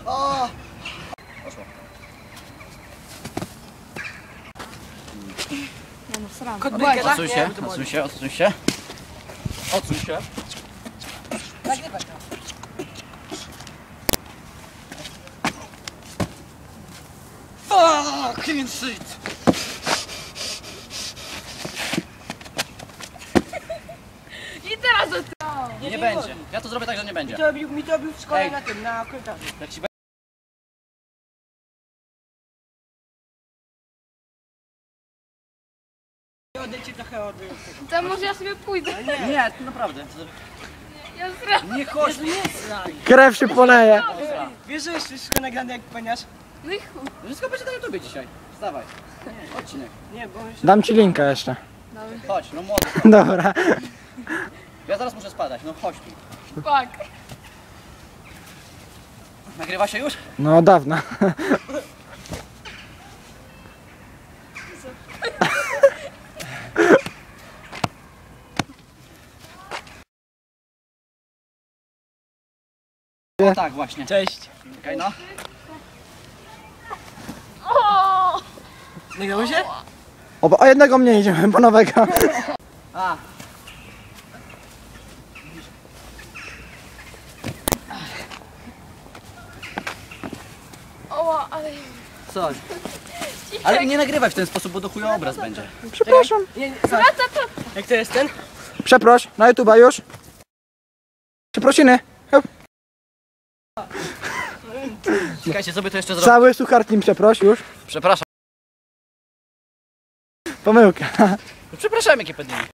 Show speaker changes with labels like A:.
A: O! Poszło.
B: Nie no, sram.
A: Odsuń się, odsuń się, odsuń się. Odsuń się.
B: Nagrywaj to.
A: Fuck, clean shit.
B: I teraz do
A: Nie będzie. Ja to zrobię tak, że nie będzie.
C: Mi to robił w szkole
A: Ej.
C: na tym, na korytarzu.
A: Jak ci
C: Odejdźcie trochę od tego.
B: To może ja sobie pójdę.
A: Nie, to naprawdę.
B: Ja sram.
A: Nie chodź.
C: Jezu, nie straj.
D: Krew się poleje.
C: Wiesz, że jest wszystko nagrane jak paniasz?
B: No i chuj.
A: Wszystko będzie na YouTubie dzisiaj. Wstawaj. Odcinek.
C: Nie, bo już...
D: Dam ci linka jeszcze.
A: Chodź, no młody.
D: Dobra.
A: Ja zaraz muszę spadać, no chodź tu.
B: Fuck.
A: Nagrywa się już?
D: No dawno.
A: O tak właśnie.
C: Cześć.
A: Czekaj no.
B: O!
C: Nagrało się?
D: O jednego mniej idziemy, po nowego.
A: A.
B: O, ale...
A: Co? Ale nie nagrywaj w ten sposób, bo do chuja obraz będzie.
D: Przepraszam.
B: Wraca to.
C: Jak to jest ten?
D: Przeproś, na YouTube'a już. Przeprosiny. Hop.
A: Czekajcie, co by to jeszcze zrobić?
D: Cały suchar team przeproś już.
A: Przepraszam.
D: Pomyłka.
A: Przepraszam, jakie pedini.